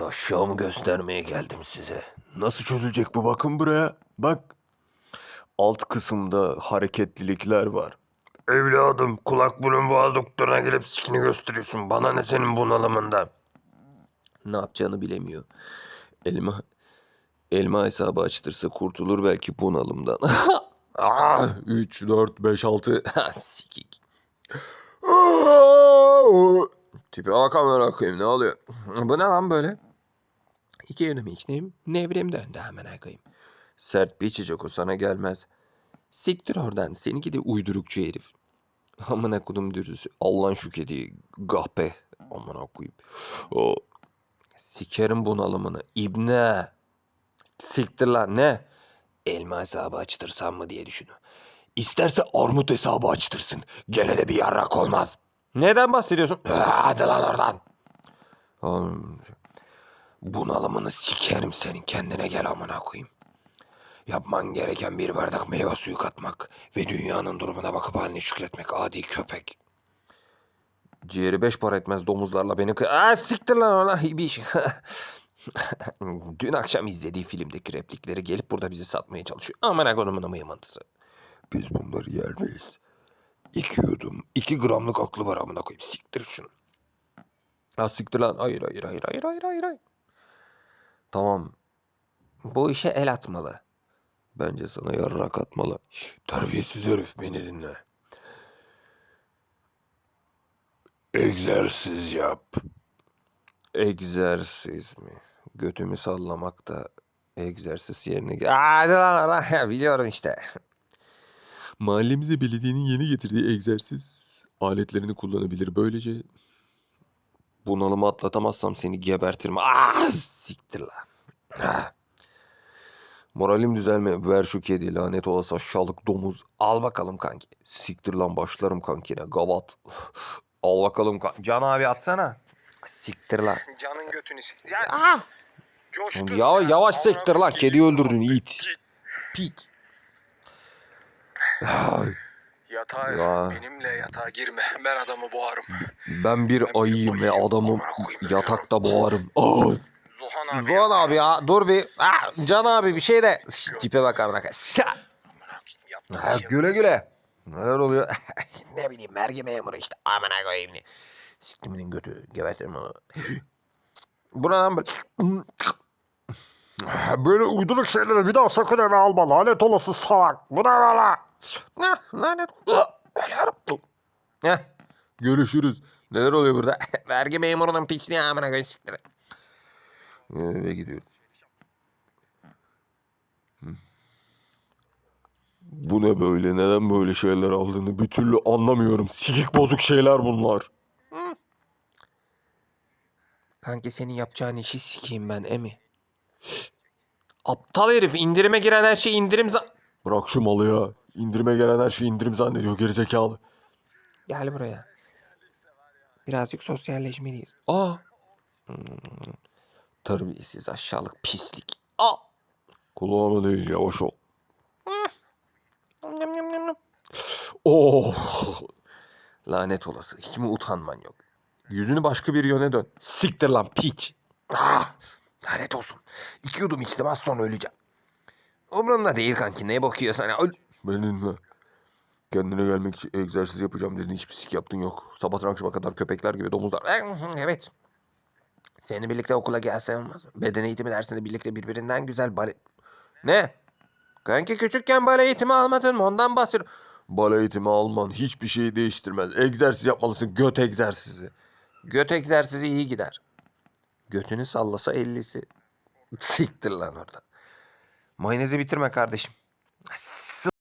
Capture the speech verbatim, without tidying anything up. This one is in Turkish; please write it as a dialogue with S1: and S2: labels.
S1: Daşşağımı göstermeye geldim size. Nasıl çözülecek bu, bakın buraya. Bak. Alt kısımda hareketlilikler var. Evladım, kulak burun boğaz doktoruna gelip sikini gösteriyorsun. Bana ne senin bunalımında? Ne yapacağını bilemiyor. Elma elma hesabı açtırsa kurtulur belki bunalımdan. Ah, üç, dört, beş, altı. Sikik. Tipe bak amına koyayım, ne oluyor? Bu ne lan böyle? İki yönümü içneyim. Nevrim döndü hemen koyayım. Sert bir içecek, o sana gelmez. Siktir oradan, seninki de uydurukçu herif. Amına kodum dürüsü. Allah'ın şu kediyi. Gahpe. Amına koyayım. O sikerim bunalımını. İbne. Siktir lan, ne? Elma hesabı açtırsam mı diye düşünüyor. İsterse armut hesabı açtırsın. Gene de bir yarrak olmaz. Neden bahsediyorsun? Hadi lan oradan. Oğlum, bunalımını sikerim senin, kendine gel amına koyayım. Yapman gereken bir bardak meyve suyu katmak ve dünyanın durumuna bakıp haline şükretmek, adi köpek. Ciğeri beş para etmez domuzlarla beni... Aa, siktir lan ona bir iş. Dün akşam izlediği filmdeki replikleri gelip burada bizi satmaya çalışıyor. Aman kodumun mıymantısı. Biz bunları yer miyiz? İki yudum, iki gramlık aklı var amına koyayım. Siktir şunu. Ha siktir lan. Hayır hayır hayır hayır hayır hayır. hayır. Tamam. Bu işe el atmalı. Bence sana yarrak atmalı. Şş, terbiyesiz herif, beni dinle. Egzersiz yap. Egzersiz mi? Götümü sallamak da egzersiz yerine... Hadi lan oradan. Biliyorum işte. Mahallemize belediyenin yeni getirdiği egzersiz aletlerini kullanabilir. Böylece bunalımı atlatamazsam seni gebertirim. Ah, siktir lan. Ah. Moralim düzelme. Ver şu kedi, lanet olası aşağılık domuz. Al bakalım kanki. Siktir lan, başlarım kankine. Gavat. Al bakalım kanki. Can abi atsana. Siktir lan.
S2: Canın götünü siktir. Ya,
S1: Ah!
S2: coştun.
S1: Ya, yavaş
S2: Amına
S1: siktir lan.
S2: koyayım,
S1: Kedi öldürdün it.
S2: Git.
S1: Pik.
S2: Yatağa,
S1: Ya.
S2: benimle yatağa girme. Ben adamı boğarım.
S1: Ben bir
S2: Ben bir
S1: ayıyım ve
S2: ayıyım.
S1: adamı
S2: Amına koyayım,
S1: yatakta boğarım. Ah!
S2: Zuhan abi.
S1: Zuhan abi ya, dur bir. Ah, Can abi bir şey de. Şş, tipe bak amına koyayım.
S2: Amına koyayım, yaptığın
S1: Ha,
S2: şey
S1: güle güle. Neler oluyor? Ne bileyim, vergi memuru işte. Amına koyayım. Siktiminin götü. Gebertirim onu. Bu ne lan böyle? Böyle uyduruk şeyleri bir daha sakın eve alma. Lanet olası salak. Bu ne valla? Ne? Lanet. Ölüyorum. Heh. Görüşürüz. Neler oluyor burada? Vergi memurunun piçliği amına koyayım, siktir. Eve gidiyorum. Bu ne böyle? Neden böyle şeyler aldığını bir türlü anlamıyorum. Sikik bozuk şeyler bunlar. Hı. Kanki, senin yapacağın işi sikeyim ben emi. Aptal herif, indirime giren her şey indirim za... Bırak şu malı ya. İndirime gelen her şey indirim zannediyor gerizekalı. Gel buraya. Birazcık sosyalleşmeliyiz. Aa. Hmm. Terbiyesiz aşağılık pislik. Aa. Kulağıma değil, yavaş ol. Oh. Lanet olası. Hiç mi utanman yok? Yüzünü başka bir yöne dön. Siktir lan piç. Ah. Lanet olsun. İki yudum içtim, az sonra öleceğim. Umurumda değil kanki, neye bakıyorsun? Öl. Benimle. Kendine gelmek için egzersiz yapacağım dedin. Hiçbir sik yaptın yok. Sabahtan akşama kadar köpekler gibi domuzlar. Evet. Seninle birlikte okula gelse olmaz. Beden eğitimi dersinde birlikte birbirinden güzel bale... Ne? Kanki, küçükken bale eğitimi almadın mı? Ondan bahsediyorum. Bale eğitimi alman hiçbir şeyi değiştirmez. Egzersiz yapmalısın. Göt egzersizi. Göt egzersizi iyi gider. Götünü sallasa ellisi. Siktir lan orada. Mayonezi bitirme kardeşim.